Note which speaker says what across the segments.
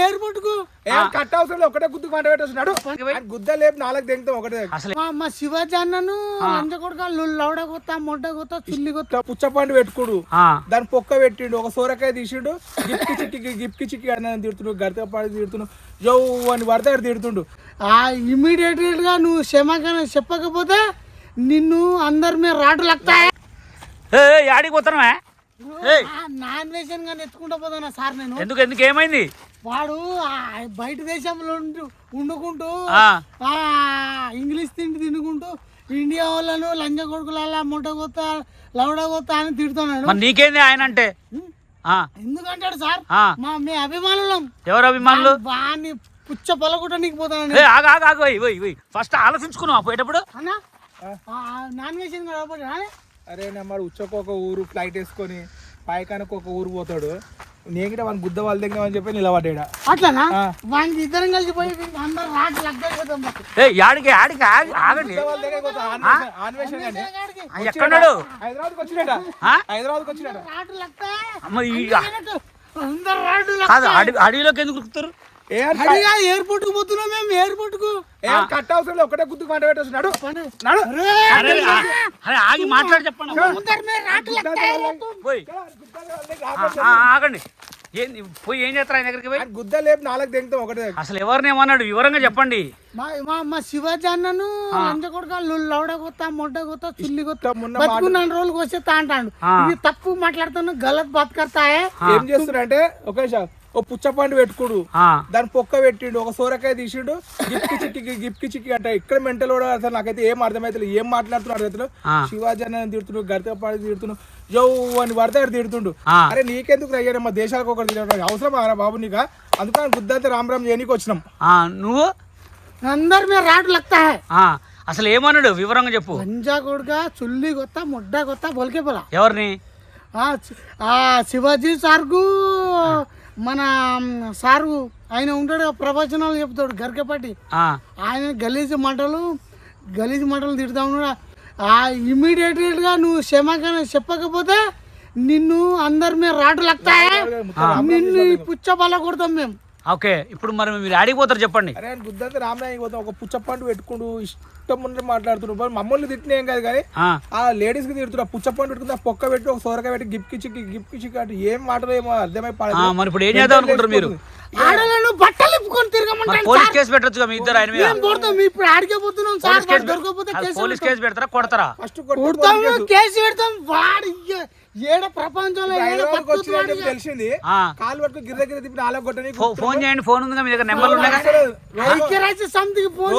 Speaker 1: Airport కు
Speaker 2: cut అవసరం ఒకటే గుద్దు పంట పెట్టేస్తున్నాడు గుద్ద లేపు 4 దింగుతాం ఒకటే
Speaker 1: మా శివాజీ అన్నను లంచ కొడుక లౌడ కొత్త మొడ్డ కొత్త చుల్లి కొత్త
Speaker 2: పుచ్చపండు పెట్టుకుడు దాని పొక్క పెట్టిండు ఒక సోరకాయ తీసిండు గిప్కి చిక్కి అన్న తిడుతుండు గడత పాడి తిడుతుండు జో అని పడితే తిడుతుండు
Speaker 1: ఇమీడియట్ గా నువ్వు క్షమాకణ చెప్పకపోతే నిన్ను అందరి మీద రాటు లక్తాయి
Speaker 3: యాడికి పోతున్నావా
Speaker 1: నాన్ వెజ్ గా ఎత్తుకుంటా పోతున్నా సార్ నేను
Speaker 3: ఎందుకు ఏమైంది
Speaker 1: వాడు బయట దేశంలో వండుకుంటూ ఇంగ్లీష్ తినుకుంటూ ఇండియా వాళ్ళను లంజ కొడుకుల మొట్ట కొత్త లౌడ కొత్త అని తిడుతున్నాడు.
Speaker 3: నీకేంది ఆయన అంటే
Speaker 1: ఎందుకంటాడు సార్ మీ అభిమానులం.
Speaker 3: ఎవరు అభిమానులు?
Speaker 1: వాడిని పుచ్చ పొలగొట్ట నీకు పోతాను.
Speaker 3: ఫస్ట్ ఆలోచించుకున్నావు పోయేటప్పుడు
Speaker 1: నాన్ వెజ్
Speaker 2: అరే మరి ఉచ్చకు ఒక ఊరు ఫ్లైట్ వేసుకొని పైకానికి ఒక ఊరు పోతాడు నేను వాడిని గుద్ద వాళ్ళ దగ్గర అని చెప్పి నిలబడ్డా
Speaker 1: అట్లానా వానికి ఇద్దరం కలిసి పోయి అందరు రాటు లగ్గపోతాం.
Speaker 3: ఎక్కడున్నాడు?
Speaker 2: హైదరాబాద్కి వచ్చినట
Speaker 1: రాటు లగ్గా
Speaker 3: అడవిలోకి ఎందుకు ఉరుకుతారు?
Speaker 1: ఎయిర్పోర్ట్ కు పోతున్నాం మేము. ఎయిర్పోర్ట్ కు
Speaker 2: కట్ అవసరం ఒకటే గుద్దు పంట పెట్టేస్తున్నాడు
Speaker 3: ఆగి మాట్లాడి చెప్పండి. ఆగండి పోయి ఏం చేస్తారు ఆయన దగ్గరికి పోయి?
Speaker 2: గుద్ద లేపు 4 దింగుతాం ఒకటే.
Speaker 3: అసలు ఎవరిని ఏమన్నాడు వివరంగా చెప్పండి.
Speaker 1: మా శివాజీ అన్నను లంచ కొడుక లౌడ కొత్త మొడ్డ కొత్త చుల్లి కొత్త బతుకున్న రోజులకు వచ్చేస్తా అంటాడు. ఇది తప్పు మాట్లాడుతాను గలత్ బాత్ కర్తాయే.
Speaker 2: ఏం చేస్తున్నారంటే ఓ పుచ్చపండు పెట్టుకుడు దాని పొక్క పెట్టిండు ఒక సోరకాయ తీసిండు గిప్కి చిక్కి అంటే ఇక్కడ మెంటల్ కూడా అసలు నాకైతే ఏం అర్థమైతే ఏం మాట్లాడుతున్నాడు అర్థం. శివాజీ అన్న తిడుతుండు గడత పాడి తిడుతుండు జో అని పడితే తిడుతుండు. అరే నీకెందుకు అయ్యారు మా దేశాలకు ఒకటి తిరగడం అవసరం బాబు నీకు అందుకని గుద్దంతా రామ్ చేయనీకి వచ్చినాం.
Speaker 3: నువ్వు
Speaker 1: అందరి మీద రాటు లగ్తాయి.
Speaker 3: అసలు ఏమన్నాడు వివరంగా చెప్పు.
Speaker 1: లంజా కొడుక చుల్లి కొత్త మొడ్డ కొత్త బొలికే పోలా.
Speaker 3: ఎవరిని?
Speaker 1: శివాజీ సార్కు మన సారు ఆయన ఉంటాడు ప్రవచనాలు చెప్తాడు గరికపాటి. ఆయన గలీజు మాటలు తిడుతా ఉన్నాడు. ఇమీడియట్ గా నువ్వు క్షమాకణ చెప్పకపోతే నిన్ను అందరి మీద రాటు లగ్తాయి. నిన్ను పుచ్చ బల కొడతాం మేము.
Speaker 3: ఓకే ఇప్పుడు మరి మీరు ఆడిపోతారు చెప్పండి.
Speaker 2: అరే గుద్దంతా రామనాయకి పోతాం ఒక పుచ్చపండు పెట్టుకుంటూ ఇష్టం ఉన్నది మాట్లాడుతున్నాడు. మమ్మల్ని తిట్టిన ఏం కాదు కానీ ఆ లేడీస్ కి తిడుతున్నా పుచ్చపండు పెట్టుకుని పొక్క పెట్టి ఒక సోరకాయ పెట్టి గిప్కి చిక్కి అంటే ఏం మాటలు ఏమో అర్థమై
Speaker 3: మరి ఇప్పుడు ఏం చేద్దాం అనుకుంటారు మీరు?
Speaker 1: ఆడలను బట్టలు ఇప్పుకొని తిరగమంటారు.
Speaker 3: పోలీస్ కేసు పెట్టొచ్చు మీ ఇద్దరు ఆయన మీద.
Speaker 1: ఇప్పుడు ఆడికే పోతున్నాం సార్.
Speaker 3: పోలీస్ కేసు పెడతారా కొడతారా?
Speaker 2: ఫస్ట్
Speaker 1: కేసు పెడతాం. వాడు ఏడ ప్రపంచంలో
Speaker 2: తెలిసింది కాలు పట్టుకు గిర్ర తిప్పి 4 కొట్టని
Speaker 3: ఫోన్ చేయండి. ఫోన్ ఉంది మీ దగ్గర నెంబర్లు ఉన్నాయి.
Speaker 1: ఐక్యరాజ్య సమితికి ఫోన్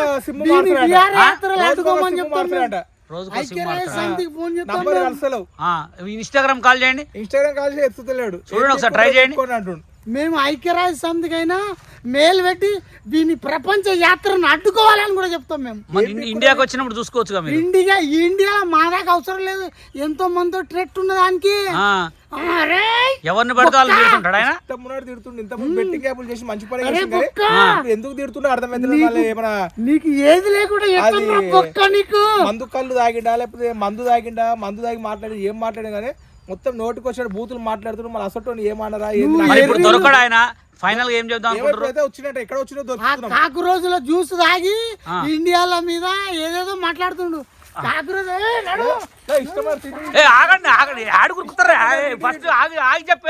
Speaker 3: ఇన్స్టాగ్రామ్ కాల్ చేయండి.
Speaker 2: ఎత్తుతలేడు
Speaker 3: చూడండి ఒకసారి ట్రై చేయండి.
Speaker 1: మేము ఐక్యరాజ్య సమితికి అయినా మేలు పెట్టి దీని ప్రపంచ యాత్రను అడ్డుకోవాలని కూడా చెప్తాం. మేము
Speaker 3: ఇండియాకి వచ్చినప్పుడు చూసుకోవచ్చు.
Speaker 1: ఇండియా మా దాకా అవసరం లేదు. ఎంతో మందితో ట్రెట్ ఉన్న దానికి
Speaker 3: ఎవరిని పడితే వాళ్ళు తిడుతుంటాడు ఆయన.
Speaker 2: బెట్టింగ్ యాప్లు చేసి మంచి పని ఎందుకు తిడుతున్నా అర్థమైంది.
Speaker 1: నీకు ఏది లేకుండా నీకు
Speaker 2: మందు కళ్ళు తాగిండా లేకపోతే మందు తాగి మాట్లాడి ఏం మాట్లాడే కానీ మొత్తం నోటికి వచ్చాడు బూతులు మాట్లాడుతున్నాడు. మళ్ళీ అసలు ఏమన్నారా
Speaker 3: ఇప్పుడు దొరకడు ఆయన. ఫైనల్ గా ఏం చెప్తాం
Speaker 2: వచ్చినట్టు ఎక్కడ వచ్చిన
Speaker 1: కాకు రోజుల జ్యూస్ తాగి ఇండియాల మీద ఏదేదో మాట్లాడుతుండు.
Speaker 3: ఆగండి ఆడు కురుకుతారా? ఫస్ట్ ఆగి చెప్పే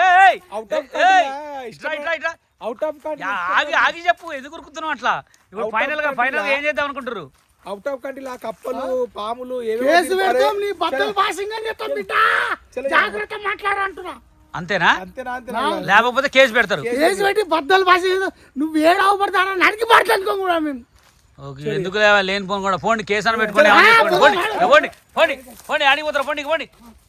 Speaker 3: ఆగి చెప్పు ఎందుకు కురుకుతున్నావు అట్లా. ఇప్పుడు ఫైనల్ గా ఏం చేద్దాం అనుకుంటారు?
Speaker 2: అవుట్ ఆఫ్ కంట్రీ కప్పలు పాములు
Speaker 3: అంతేనా? లేకపోతే కేసు పెడతారు.
Speaker 1: కేసు పెట్టి బద్దలు భాష నువ్వు ఏడావు పడతాడా నరికి పడతానుకో కూడా మేము.
Speaker 3: ఎందుకు లేని ఫోన్ కూడా పోండి కేసు అని పెట్టుకోండి. పోండి ఆడిపోతారు. పోండి